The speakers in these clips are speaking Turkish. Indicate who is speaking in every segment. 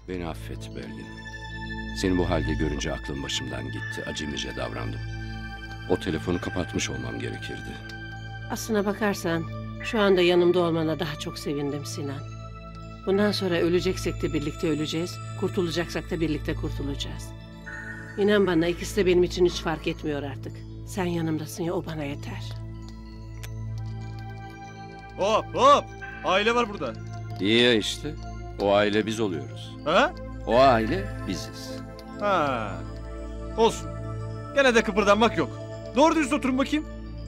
Speaker 1: Beni affet Belgin. Seni bu halde görünce aklım başımdan gitti. Acemice davrandım. O telefonu kapatmış olmam gerekirdi.
Speaker 2: Aslına bakarsan şu anda yanımda olmana daha çok sevindim Sinan. Bundan sonra öleceksek de birlikte öleceğiz, kurtulacaksak da birlikte kurtulacağız. İnan bana ikisi de benim için hiç fark etmiyor artık. Sen yanımdasın ya, o bana yeter.
Speaker 3: Hop hop! Aile var burada.
Speaker 1: İyi ya işte. O aile biz oluyoruz.
Speaker 3: Ha?
Speaker 1: O aile biziz.
Speaker 3: Ha. Olsun. Gene de kıpırdanmak yok. Doğru düz oturun bakayım.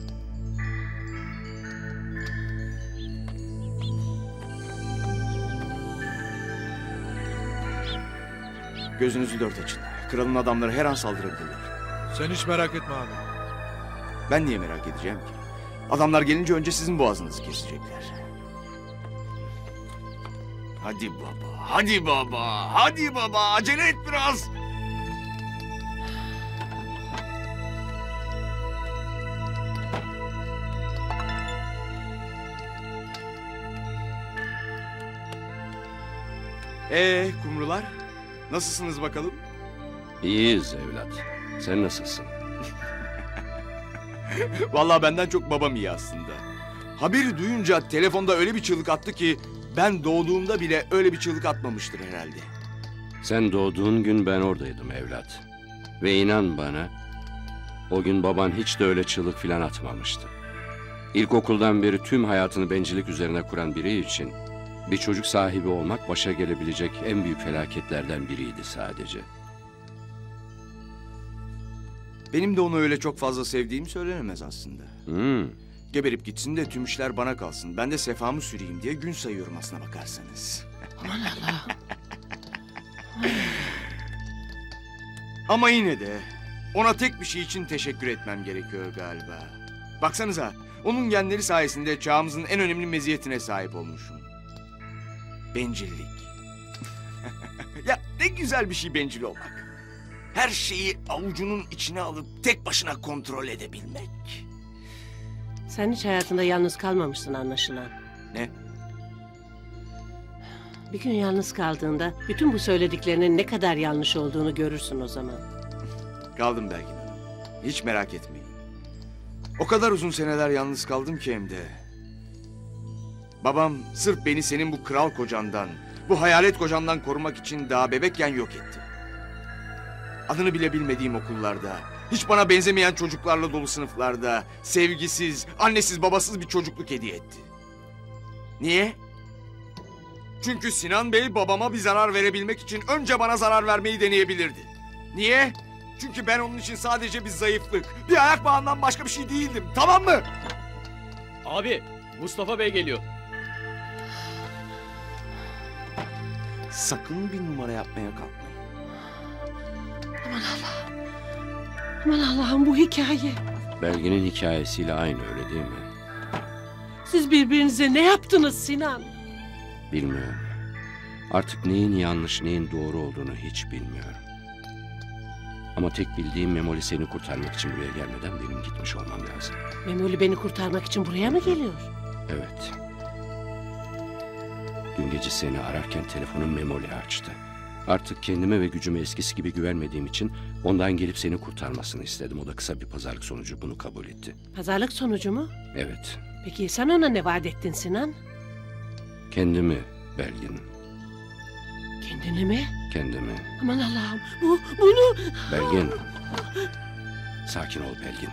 Speaker 4: Gözünüzü dört açın. Kralın adamları her an saldırabilirler.
Speaker 5: Sen hiç merak etme abi.
Speaker 4: Ben niye merak edeceğim ki? Adamlar gelince önce sizin boğazınızı kesecekler. Hadi baba, hadi baba, hadi baba. Acele et biraz. Kumrular. Nasılsınız bakalım?
Speaker 1: İyiyiz evlat. Sen nasılsın?
Speaker 4: Vallahi benden çok babam iyi aslında. Haberi duyunca telefonda öyle bir çığlık attı ki ben doğduğumda bile öyle bir çığlık atmamıştır herhalde.
Speaker 1: Sen doğduğun gün ben oradaydım evlat. Ve inan bana, o gün baban hiç de öyle çığlık filan atmamıştı. İlkokuldan beri tüm hayatını bencillik üzerine kuran biri için bir çocuk sahibi olmak başa gelebilecek en büyük felaketlerden biriydi sadece.
Speaker 4: Benim de onu öyle çok fazla sevdiğim söylenemez aslında.
Speaker 1: Hmm.
Speaker 4: Geberip gitsin de tüm işler bana kalsın. Ben de sefamı süreyim diye gün sayıyorum aslına bakarsanız.
Speaker 2: Aman Allah'ım.
Speaker 4: Ama yine de ona tek bir şey için teşekkür etmem gerekiyor galiba. Baksanıza, onun genleri sayesinde çağımızın en önemli meziyetine sahip olmuşum. Bencillik. Ya ne güzel bir şey bencil olmak. Her şeyi avucunun içine alıp tek başına kontrol edebilmek.
Speaker 2: Sen hiç hayatında yalnız kalmamışsın anlaşılan.
Speaker 4: Ne?
Speaker 2: Bir gün yalnız kaldığında bütün bu söylediklerinin ne kadar yanlış olduğunu görürsün o zaman.
Speaker 4: Kaldım Belgin Hanım. Hiç merak etmeyin. O kadar uzun seneler yalnız kaldım ki hem de. Babam sırf beni senin bu kral kocandan, bu hayalet kocandan korumak için daha bebekken yok etti. Adını bile bilmediğim okullarda, hiç bana benzemeyen çocuklarla dolu sınıflarda, sevgisiz, annesiz babasız bir çocukluk hediye etti. Niye? Çünkü Sinan Bey babama bir zarar verebilmek için önce bana zarar vermeyi deneyebilirdi. Niye? Çünkü ben onun için sadece bir zayıflık, bir ayak bağından başka bir şey değildim, tamam mı?
Speaker 6: Abi, Mustafa Bey geliyor.
Speaker 4: Sakın bir numara yapmaya kalkmayın.
Speaker 2: Aman Allah'ım. Aman Allah'ım, bu hikaye.
Speaker 1: Belgin'in hikayesiyle aynı, öyle değil mi?
Speaker 2: Siz birbirinize ne yaptınız Sinan?
Speaker 1: Bilmiyorum. Artık neyin yanlış, neyin doğru olduğunu hiç bilmiyorum. Ama tek bildiğim Memoli seni kurtarmak için buraya gelmeden benim gitmiş olmam lazım.
Speaker 2: Memoli beni kurtarmak için buraya mı geliyor?
Speaker 1: Evet. Dün gece seni ararken telefonu Memoli açtı. Artık kendime ve gücüme eskisi gibi güvenmediğim için ondan gelip seni kurtarmasını istedim. O da kısa bir pazarlık sonucu bunu kabul etti.
Speaker 2: Pazarlık sonucu mu?
Speaker 1: Evet.
Speaker 2: Peki sen ona ne vaat ettin Sinan?
Speaker 1: Kendimi Belgin.
Speaker 2: Kendini mi?
Speaker 1: Kendimi.
Speaker 2: Aman Allah'ım, bunu...
Speaker 1: Belgin. Sakin ol Belgin.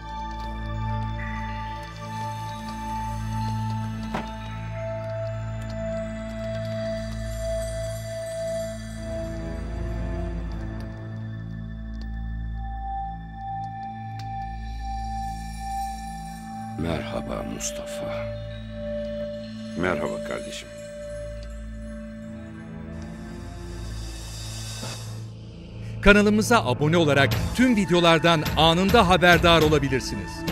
Speaker 1: Merhaba Mustafa.
Speaker 7: Merhaba kardeşim.
Speaker 5: Kanalımıza abone olarak tüm videolardan anında haberdar olabilirsiniz.